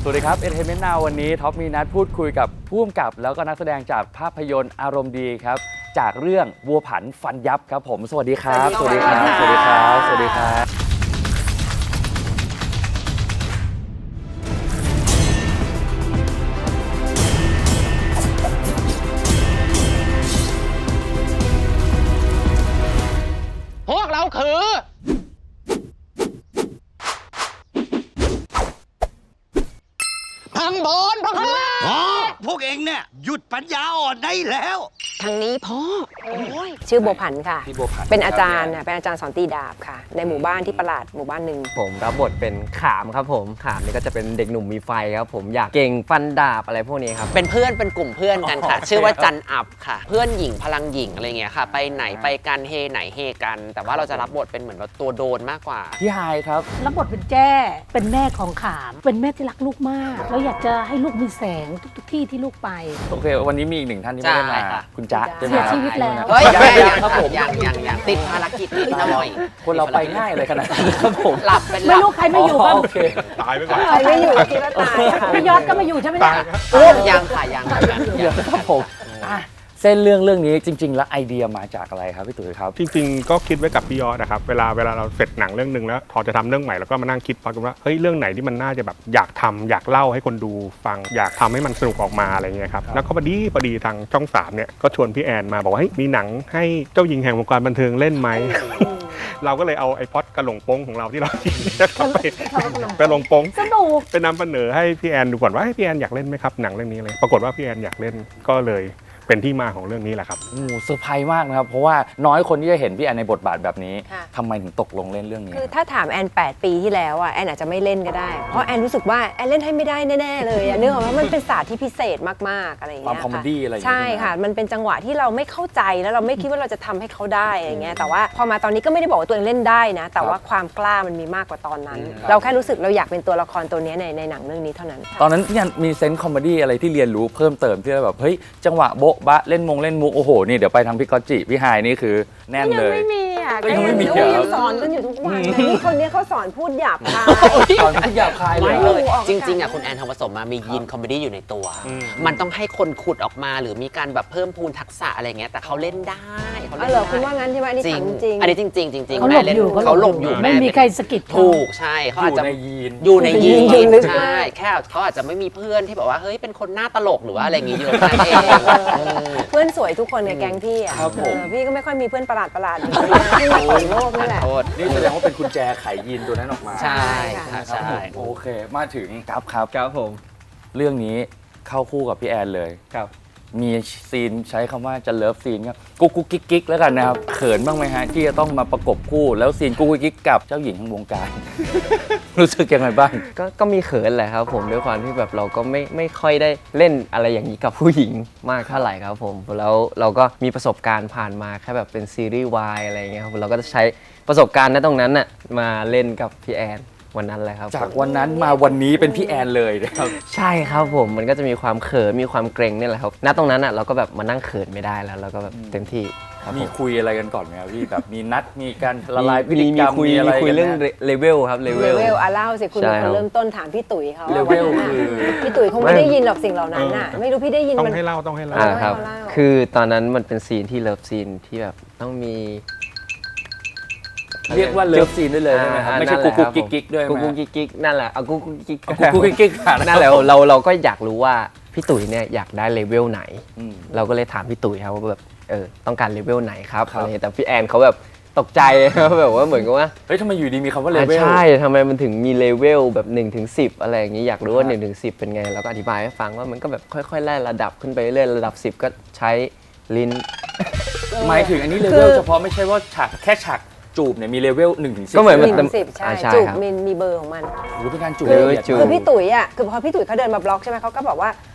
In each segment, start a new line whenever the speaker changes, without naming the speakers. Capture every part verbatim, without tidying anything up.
สวัสดีครับ Entertainment Now วันนี้ท็อปมีนัดพูดคุยกับผู้กำกับแล้วก็นักแสดงจากภาพยนตร์อารมณ์ดีครับจากเรื่องวัวผันฟันยับครับผมสวัสดีครับ
สวัสดีครับสวัสดีครับ
สวัสดีครับ
พวกเราคือพังบนพังล่าง
อ๋อพวกเองเนี่ยหยุดปัญญาอ่อนได้แล้ว
ทางนี้พ่อชื่อบัวผันค่ะเป็นอาจารย์เป็นอาจารย์สอนตีดาบค่ะในหมู่บ้านที่ประหลาดหมู่บ้านหนึ่ง
ผมรับบทเป็นขามครับผมขามนี่ก็จะเป็นเด็กหนุ่มมีไฟครับผมอยากเก่งฟันดาบอะไรพวกนี้ครับ
เป็นเพื่อนเป็นกลุ่มเพื่อนกันค่ะชื่อว่าจันอับค่ะเพื่อนหญิงพลังหญิงอะไรเงี้ยค่ะไปไหนไปกันเฮไหนเฮกันแต่ว่าเราจะรับบทเป็นเหมือนแบบตัวโดนมากกว่า
พี่ไฮครับ
รับบทเป็นแจ้เป็นแม่ของขามเป็นแม่ที่รักลูกมากแล้วอยากจะให้ลูกมีแสงทุกๆที่ที่ลูกไป
โอเควันนี้มีอีกหนึ่งท่านที่ไม่ได้มาคุณจ๊ะ
เสียชีวิตแล้ว
เฮ้ยยังครับผมยังยังยังติดภารกิจนิดหน่อย
คนเราไปง่ายเลยขนาดนั้นครับผม
หลับเป็น
ไม่รู้ใครไม่อยู่บ้าง
ตายไปก่อน
ใครไม่อยู่คิดว่าตาย
พี่ยอดก็มาอยู่ใช่ไหมเนี่ย
ยังค่ะยัง
ยังครับผมเส้นเรื่องเรื่องนี้จริงๆแล้วไอเดียมาจากอะไรครับพี่ตุ๋ยครับ
จริงๆก็คิดไว้กับพี่ยอดนะครับเวลาเวลาเราเสร็จหนังเรื่องนึงแล้วพอจะทำเรื่องใหม่เราก็มานั่งคิดพอกันว่าเฮ้ยเรื่องไหนที่มันน่าจะแบบอยากทำอยากเล่าให้คนดูฟังอยากทำให้มันสนุกออกมาอะไรเงี้ยครับแล้วก็พอดีพอดีทางช่องสามเนี่ยก็ชวนพี่แอนมาบอกว่าเฮ้ยมีหนังให้เจ้าหญิงแห่งวงการบันเทิงเล่นไหมเราก็เลยเอาไอพอดกระหลงโป้งของเราที่เราคิดไปไปลงโป้ง
สนุก
ไปนำเสนอให้พี่แอนดูก่อนว่าพี่แอนอยากเล่นไหมครับหนังเรื่องนี้เลยปรากฏว่าพี่แอนอยากเล่นก็เลยเป็นที่มาของเรื่องนี้แหละครับ
โอ้เซอร์ไพรส์มากนะครับเพราะว่าน้อยคนที่จะเห็นพี่แอนในบทบาทแบบนี้ทำไมถึงตกลงเล่นเรื่องนี้
คือถ้าถามแอนแปดปีที่แล้วอ่ะแอนอาจจะไม่เล่นก็ได้เพราะแอนรู้สึกว่าแอนเล่นให้ไม่ได้แน่ๆเลยเนื่องจากว่ามันเป็นศาสตร์ที่พิเศษมากๆอะไรอย่างเงี้
ยความคอมเมดี้อะไรอย่าง
เงี้ยใช่ค่ะมันเป็นจังหวะที่เราไม่เข้าใจแล้วเราไม่คิดว่าเราจะทำให้เขาได้อย่างเงี้ยแต่ว่าพอมาตอนนี้ก็ไม่ได้บอกว่าตัวเองเล่นได้นะแต่ว่าความกล้ามันมีมากกว่าตอนนั้นเราแค่รู้สึกเราอยากเป็นตัวละครตัวนี้ในในหนังเรื่องนี้เท่านั้น
ตอนนั้นพี่แอนมีเซนส์คอมเมดี้อะไรที่เรียนรู้เพิ่มเติมที่แบบเฮ้ยจังหวะโบ๊ะบะเล่นมงเล่นมุกโอ้โหนี่เดี๋ยวไปทางพี่ก๊อตจิพี่ไฮนี่คือแน่นเลย
ยังไม่มีอ่ะ
ก็ยังไม่มี
สอนกันอยู่ทุกวันนี่คนนี้เขาสอนพูดหยาบคาย
สอนพูดหยาบคาย
เลยจริงๆอ่ะคุณแอนทองผสมมามียีนคอมเมดี้อยู่ในตัวมันต้องให้คนขุดออกมาหรือมีการแบบเพิ่มพูนทักษะอะไรเงี้ยแต่เขาเล่นได้
เขาเล่นได้คุณว่างั้นใช่ไหมอันนี้จริงจริง
อันนี้จริงจริงจริง
เขาหลบอยู่
เขาหลบอยู่
ไม่มีใครสกิด
ถูกใช่เขาอาจจะอยู่ในยีนใช่แค่เขาอาจจะไม่มีเพื่อนที่แบบว่าเฮ้ยเป็นคนหน้าตลกหรือว่าอะไรอย่างงี้เยอะนั่นเอง
เพื่อนสวยทุกคนในแก๊งพี่อ่ะพี่ก็ไม่ค่อยมีเพื่อนประหลาดประหลาดอย่างนี้ที่มาต่อยโลกนี่แหละ
นี่แสดงว่าเป็นกุญแจไขยีนตัวนั้นออกมา
ใช่ใช่
โอเคมาถึงครับครับ
ครับผม
เรื่องนี้เข้าคู่กับพี่แอนเลย
ครับ
มีซีนใช้คำว่าจะเลิฟซีนครับกุ๊กกุ๊กกิ๊กกิ๊กแล้วกันนะครับเขินบ้างไหมฮะที่จะต้องมาประกบคู่แล้วซีนกุ๊กกุ๊กกิ๊กกับเจ้าหญิงทั้งวงการรู้สึกยังไงบ้าง
ก็ก็มีเขินแหละครับผมด้วยความที่แบบเราก็ไม่ไม่ค่อยได้เล่นอะไรอย่างนี้กับผู้หญิงมากเท่าไหร่ครับผมแล้วเราก็มีประสบการณ์ผ่านมาแค่แบบเป็นซีรีส์วายอะไรเงี้ยครับเราก็จะใช้ประสบการณ์ณตรงนั้นน่ะมาเล่นกับพี่แอนวันนั้นเลยครับ
จากวันนั้นมาวันนี้เป็นพี่แอนเลยนะครับ
ใช่ครับผมมันก็จะมีความเขินมีความเกรงนี่แหละครับณตรงนั้นอ่ะเราก็แบบมานั่งเขินไม่ได้แล้วเราก็แบบเต็มที่
มีคุยอะไรกันก่อนไหมครับพี่แบบมีนัดมีการละลายพฤติกรรม
มีอะไรคุยเรื่องเลเวลครับเลเวล
เลเวลอ่ะเล่าสิคุณเป็นคนเริ่มต้นถามพี่ตุ๋ยเขา
เลเวลคือ
พี่ตุ๋ยคงไม่ได้ยินหรอกสิ่งเหล่านั้นน่ะไม่รู้พี่ได้ยิน
ต้องให้เล่าต้องให้เล่า
ครับคือตอนนั้นมันเป็นซีนที่เลิฟซีนที่แบบต้องมี
เรียกว่าเลิฟซีนได้เลยใช่ไหมครับไม่ใช่กุ๊กกุ๊กกิ๊กกิ๊กด้วย
กุ๊กกุ๊กกิ๊กกิ๊กนั่นแหละเอากุ๊กกุ๊กกิ๊ก
กุ๊กกุ๊กกิ๊ก
นั่นแหละเราเราก็อยากรู้ว่าพี่ตุ๋ยเนี่ยอยากได้เลเวลไหนเราก็เลยถามพี่ตุ๋ยครับว่าแบบเออต้องการเลเวลไหนครับอะไรแต่พี่แอนเขาแบบตกใจแบบว่าเหมือนกับว่า
เฮ้ยทำไมอยู่ดีมีคำว่าเลเวล
ใช่ทำไมมันถึงมีเลเวลแบบหนึ่งถึงสิบอะไรอย่างนี้อยากรู้ว่าหนึ่งถึงสิบเป็นไงเราก็อธิบายให้ฟังว่ามันก็แบบค่อยๆไล่ระดับขึ้นไปเรื่อยระดับสิบก็ใช้ลิ้น
หมายถึงอันนี้เลเวลเฉพาะไม่ใช่ว่าฉากแค่ฉากจูบเนี่ยมีเลเวลหนึ่งถึงสิบ
ก็เหมือนมันสิบใช่จูบมีมีเบอร์ของมัน
หรือเป็นการจูบ
คือพี่ตุ๋ยอ่ะคือพอพี่ตุ๋ยเขาเดินมาบล็อกใช่ไหมเขาก็บอกว่า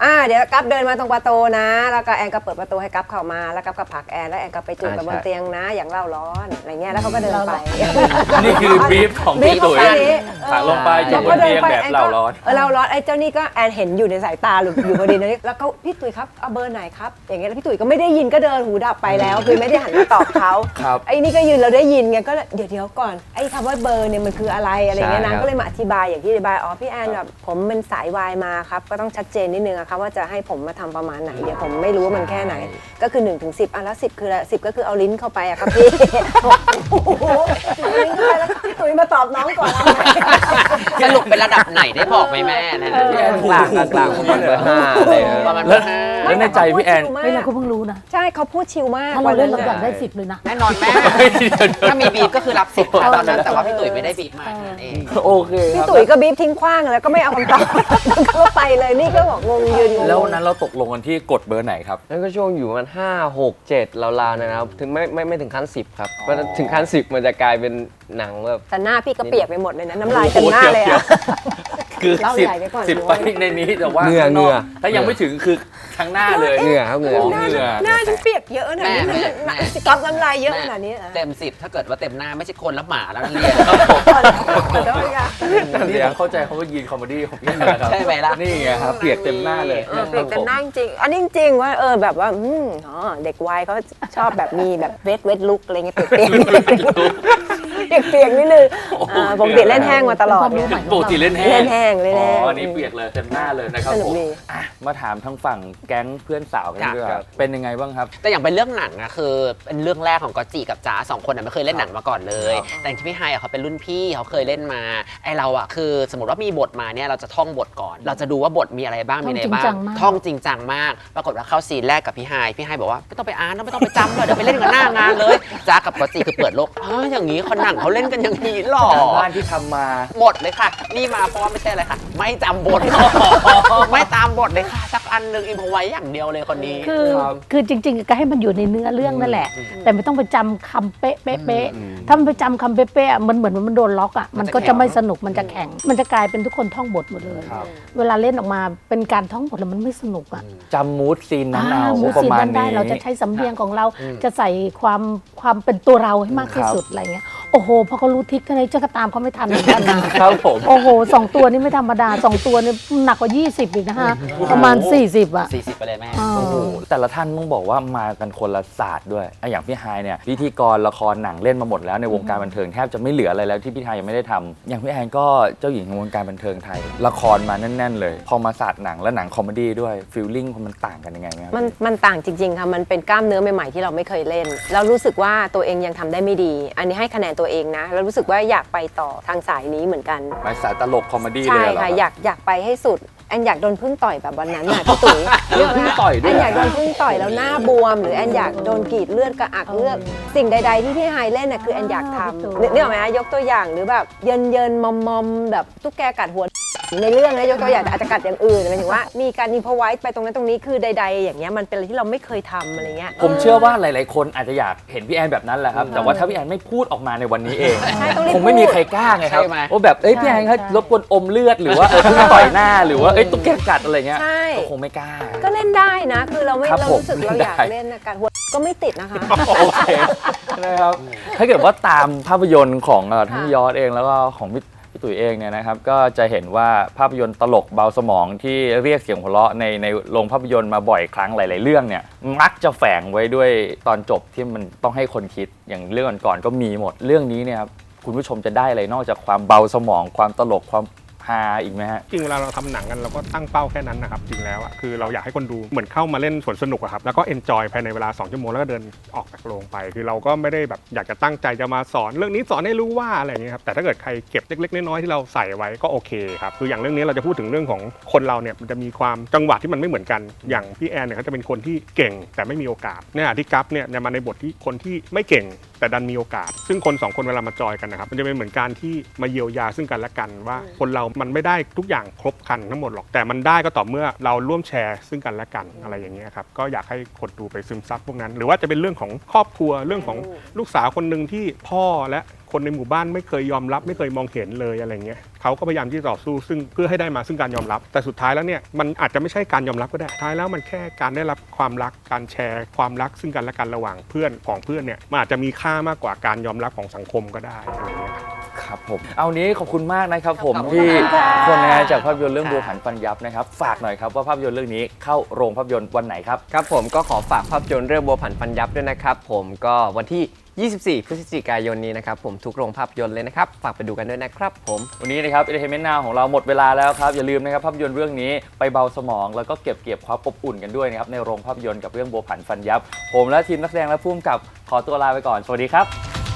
อ่าเดี๋ยวกัฟเดินมาตรงประตูนะแล้วก็แอนก็เปิดประตูให้กัฟเข้ามาแล้วกัฟก็ผลักแอนแล้วแอนก็ไปจูบกับบนเตียงนะอย่างเล่าร้อนอะไรเงี้ยแล้วเขาก็เดินไป
นี่คือบรีฟของพี่ตุ๋ยผลักลงไปจูบบนเตียงแบบเล่าร้อน
เออเล่าร้อนไอ้เจ้านี่ก็แอนเห็นอยู่ในสายตาหรืออยู่พอดีนะแล้วก็พี่ตุ๋ยครับเอาเบอร์ไหนครับอย่างเงี้ยแล้วพี่ตุ๋ยก็ไม่ได้ยินก็เดินหูดับไปแล้วคือไม่ได้หันมาตอบเขา
ครับ
ไอ้นี่ก็ยืนเราได้ยินไงก็เดี๋ยวเดี๋ยวก่อนไอ้คำว่าเบอร์เนี่ยมันคืออะไรอะไรเงี้ย
ใช่
นะ
ครับ
ก็เลยมาอธิบายอย่างที่อธิบายอ๋อพี่แอนแบบผมเป็นสายวายมาครับก็ต้องชัดเจนนิดนึงอะครับว่าจะให้ผมมาทำประมาณไหนเดี๋ยวผมไม่รู้ว่ามันแค่ไหนก็คือหนึ่งถึงสิบอ่ะแล้วสิบคืออะไรสิบก็คือเอาลิ้นเข้าไปอะครับพี่โอ้โหเอาลิ้นเข้าไปแล้วพี่ตุ๋ยมาตอบน้องก่อนเอาไหม
สรุปเป็นระดับไหนได้บอกไหมแม่นั่นน่ะ
พี่แอน
กลางกลางกลางประมาณเบอร์ห้าอะไรอย่างเงี้ย
ประมาณ
แล้ว
ห้า
แล้วในใจพี่แอน
เฮ้ยเราก็เพิ่งรู้นะ
ใช่เขาพูดชิลมาก
ถ้าเราเล่นเรา
วั
อยากได้สิบเลยนะ
แน่นอนแม่ ถ้ามีบีบก็คือรับสิบตอนนั้นแต่ว่าพี่ตุ๋ยไม่ได้บีบมาแค่นั้นเอง
โอเคค
พี่
รับ
ตุ๋ยก็บีบทิ้งขว้างแล้วก็ไม่เอาคำตอบ ก็ไปเลยนี่ก็บอกงงยืนงง
แล้ววันนั้นเราตกลงกันที่กดเบอร์ไหนครับ
นั่นก็ช่วงอยู่ประมันห้าหกเจ็ดราวๆนะครับถึงไม่ไม่ไม่ถึงขั้นสิบครับเพราะถึงขั้นสิบมันจะกลายเป็นหนังแบบ
แต่หน้าพี่ก็เปียกไปหมดเลยนะน้ำลายเต็มหน้าเลยอะ
คือ
เล่า
สิบ
ใหญ่ไปก่อน
สิบไปในนี้แต่ว่า
เหงื่อ
ข้างนก
เหงื่อ
ถ้ายังไม่ถึงคือทั้งหน้าเลย
เหงื่อครับเหงื่อ
หน้า
หน้าหน้าฉันเปียกเยอะขนาดนี้
แม่
มัน
แม่
ก๊อปน้ำลายเยอะขนาดนี้เหรอ
เต็มสิบถ้าเกิดว่าเต็มหน้าไม่ใช่คนแล้วหมาแล้วเรียน
ขอโทษค่ะ
นี่ผมเข้าใจเขาว่ายีนคอมเมดี้ของพี่นะครับ
ใช่ไหมล่ะ
นี่ไงครับเปียกเต็มหน้าเลย
เออเปียกเต็มหน้าจริงๆอันนี้จริงๆว่าเออแบบว่าอืมอ๋อเด็กวัยเขาชอบแบบมีแบบเวทเวทลุกอะไรเงี้ยเปียกเปียกเปียกเปียกนิดนึงอ่าปกติเล่นแห้งมาตลอด
ความรู้ใหม่
ปกติเล่นแห้
เล่
ง
นแห้งเล่น
อ๋
แห้ง
ออันนี้เปียกเลยเต็มหน้าเลยนะครับ
สนุ
ผ
ก
ม
ดี
อ่ะมาถามทางฝั่งแก๊งเพื่อนสาวกันด้วย
ครับ
เป็นยังไงบ้างครับ
แต่อย่างเป็นเรื่องหนังอะคือเป็นเรื่องแรกของก๊อตจิกับจ๋าสองคนอะไม่เคยเล่นหนังมาก่อนเลย แต่อย่างที่พี่ไฮอะเขาเป็นรุ่นพี่เขาเคยเล่นมาไอเราอะคือสมมติว่ามีบทมาเนี่ยเราจะท่องบทก่อน เราจะดูว่าบทมีอะไรบ้างมีอะไรบ้างท่องจริงจังมาก ปรากฏว่าเข้าซีนแรกกับพี่ไฮพี่ไฮบอกว่าไม่ต้องไปอ่านไม่ต้องไปจำเลยเดี๋ยวไปเล่นกันหน้างานเลยจ๋ากับก๊อตจิคือเปิดโลกอ๋ออย่างนี้คนหนังเขาเล่นกันอย่างนี้หรอ
บ้านที่ทำมา
หมดเลยค่ะ นี่มาเพราะว่าไม่ใช่อะไรค่ะ ไม่จำบท ไม่ตามบทเลยค่ะ สักอันหนึ่งอินพอไว้อย่างเดียวเลยคนนี้
คือ
ครับ
คือจริงๆก็ให้มันอยู่ในเนื้อเรื่องนั่นแหละ แต่ไม่ต้องไปจำคำเป๊ะเป๊ะเป๊ะถ้ามันไปจำคำเป๊ะเป๊ะมันเหมือนมันโดนล็อกอ่ะมันก็จะไม่สนุกมันจะแข็ง มันจะกลายเป็นทุกคนท่องบทหมดเลย
ครับ
เวลาเล่นออกมาเป็นการท่องบทแล้วมันไม่สนุกอ่ะ
จำมูดซีนนั้นเอา
มู
ประ
ซีน
มาณ
นั้นได้
นี้
เราจะใช้สำเนียงของเราจะใส่ความความเป็นตัวเราให้มากที่สุดอะไรเงี้ยโอ้โหพอเขารู้ทิศกันเลยจะก็ตามเขาไม่ทันเหมือนกันนะครับ
ผม
โอ้โหสองตัวนี่ไม่ธรรมดาสองตัวนี่หนักกว่ายี่สิบอีกนะฮะประมาณสี่สิบอ่ะ
สี่สิบไปเลยแม่
อ่า
โอ้โหแต่ละท่านต้องบอกว่ามากันคนละศาสตร์ด้วยอ่ะอย่างพี่ไฮายเนี่ยพิธีกรละครหนังเล่นมาหมดแล้วในวงการบันเทิงแทบจะไม่เหลืออะไรแล้วที่พี่ไฮายยังไม่ได้ทำอย่างพี่แอนก็เจ้าหญิงของวงการบันเทิงไทย ละครมาแน่น ๆ เลย พอมาศาสตร์หนังและหนังคอมเมดี้ด้วยฟีลลิ่งมันต่างกันยังไงไหมครับ
มันมันต่างจริงๆค่ะมันเป็นกล้ามเนื้อใหม่ๆที่เราไม่เคยเล่นแล้วรู้สึกว่าตัวเองยังทำได้ไม่ดี อันนี้ให้คะแนนตัวเองนะแล้วรู้สึกว่าอยากไปต่อทางสายนี้เหมือนกัน
หมายสายตลกคอมเมดี้เล
ใช่
ยเหรอ
ค่ะอยากอยากไปให้สุดแอนอยากโดนพึ่งต่อยแบบวันนั้นน่ะพี่ตุ๋ย
โดนพึ่งต่อยด้วย
แอนอยากโดนพึ่งต่อยแล้วหน้าบวม หรือแอนอยากโดนกรีดเลือดกระอักเลือดสิ่งใด ๆ ที่พี่ไฮเล่นน่ะคือแอนอยากทำนึกออกไหมคะยกตัวอย่างหรือแบบเยินเยินมอมมอมๆแบบตุ๊กแกกัดหัวในเรื่องนะยกตัวอย่างอาจจะกัดอย่างอื่นหมายถึงว่ามีการอินพอไว้ไปตรงนั้นตรงนี้คือใด ๆ อย่างเงี้ยมันเป็นอะไรที่เราไม่เคยทำอะไรเงี้ย
ผมเชื่อว่าหลาย ๆ คนอาจจะอยากเห็นพี่แอนแบบนั้นแหละครับ แต่ว่าถ้าพี่แอนไม่พูดออกมาในวันนี้เอง
ใช่ต้องรีบ
คงไม่มีใครกล้าไงครับ
ใช่ไหม
ว่าแบบเอ้ยพี่แอนเขารบกวนอมเลือดหรือว่าเออเพิ่งต่อยหน้าหรือว่าเอ้ยตุ๊กแกกัดอะไรเงี้ย
ใช่
ก็คงไม่กล้า
ก็เล่นได้นะ คือเราไม่
ครับ
เรา
ผม
รู้สึกเราอยาก
ได้
เล่นนะการหัวก็ไม่ติดนะคะ
โอเคนะครับถ้าเกิดว่าตามภาพยนตร์ของเอ่อทั้งยอดเองแล้วก็ของพี่พี่ตุ๋ยเองเนี่ยนะครับก็จะเห็นว่าภาพยนตร์ตลกเบาสมองที่เรียกเสียงหัวเราะในในโรงภาพยนตร์มาบ่อยครั้งหลาย ๆ เรื่องเนี่ยมักจะแฝงไว้ด้วยตอนจบที่มันต้องให้คนคิดอย่างเรื่องก่อนๆก็มีหมดเรื่องนี้เนี่ยครับคุณผู้ชมจะได้อะไรนอกจากความเบาสมองความตลกความฮาอีกไหมฮะ
จริงเวลาเราทำหนังกันเราก็ตั้งเป้าแค่นั้นนะครับจริงแล้วอ่ะคือเราอยากให้คนดูเหมือนเข้ามาเล่นสวนสนุกอะครับแล้วก็เอนจอยภายในเวลาสองชั่วโมงแล้วก็เดินออกจากโรงไป คือเราก็ไม่ได้แบบอยากจะตั้งใจจะมาสอนเรื่องนี้สอนให้รู้ว่าอะไรอย่างเงี้ยครับแต่ถ้าเกิดใครเก็บเล็กๆน้อยๆที่เราใส่ไว้ก็โอเคครับคืออย่างเรื่องนี้เราจะพูดถึงเรื่องของคนเราเนี่ยมันจะมีความจังหวะที่มันไม่เหมือนกันอย่างพี่แอนเนี่ยเขาจะเป็นคนที่เก่งแต่ไม่มีโอกาสเนี่ยที่กัฟเนี่ยมาในบทที่คนที่ไม่เก่งแต่ดันมีโอกาสซึ่งคนสองคนเวลามาจอยกันนะครับมันจะเป็นเหมือนการที่มาเยียวยาซึ่งกันและกันว่าคนเรามันไม่ได้ทุกอย่างครบครันทั้งหมดหรอกแต่มันได้ก็ต่อเมื่อเราร่วมแชร์ซึ่งกันและกันอะไรอย่างเงี้ยครับก็อยากให้คนดูไปซึมซับพวกนั้น หรือว่าจะเป็นเรื่องของครอบครัวเรื่องของลูกสาวคนหนึ่งที่พ่อและคนในหมู่บ้านไม่เคยยอมรับไม่เคยมองเห็นเลยอะไรเงี้ยเขาก็พยายามที่จะต่อสู้ซึ่งเพื่อให้ได้มาซึ่งการยอมรับแต่สุดท้ายแล้วเนี่ยมันอาจจะไม่ใช่การยอมรับก็ได้ท้ายแล้วมันแค่การได้รับความรักการแชร์ความรักซึ่งกันและกันระหว่างเพื่อนของเพื่อนเนี่ยมันอาจจะมีค่ามากกว่าการยอมรับของสังคมก็ได้อะไรเงี้ย
ครับผมเอานี้ขอบคุณมากนะครับผม
ขอบคุณ
ที่
ค่ะ
คนงานจากภาพยนตร์เรื่อง
ค่ะ
บัวผันฟันยับนะครับฝากหน่อยครับว่าภาพยนตร์เรื่องนี้เข้าโรงภาพยนตร์วันไหนครับ
ครับผมก็ขอฝากภาพยนตร์เรื่องบัวผันฟันยับด้วยนะครับผมก็วันที่ ยี่สิบสี่ พฤศจิกายนนี้นะครับผมทุกโรงภาพยนตร์เลยนะครับฝากไปดูกันด้วยนะครับผม
วันนี้นะครับ Entertainment Now ของเราหมดเวลาแล้วครับ อย่าลืมนะครับภาพยนตร์เรื่องนี้ไปเบาสมองแล้วก็เก็บเกี่ยวความอบอุ่นกันด้วยนะครับในโรงภาพยนตร์กับเรื่องบัวผันฟันยับ ผมและทีมนักแสดงและผู้กำกับขอตัวลาไปก่อนสวัสดีครับ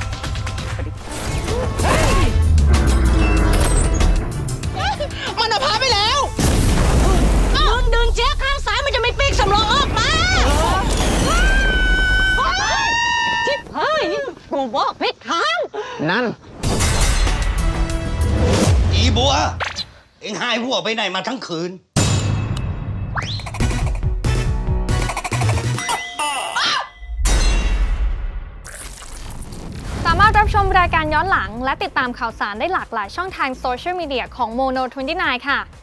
มันเอาพาไปแล้วดึงดึงเชือกข้างซ้ายมันจะไม่ปีกสำรองออกมาชิบเฮ้ยกูบอกผิดทาง
นั่น
อีบัว เอ็งหายหัวไปไหนมาทั้งคืน
สามารถรับชมรายการย้อนหลังและติดตามข่าวสารได้หลากหลายช่องทางโซเชียลมีเดียของ โมโน ยี่สิบเก้า ค่ะ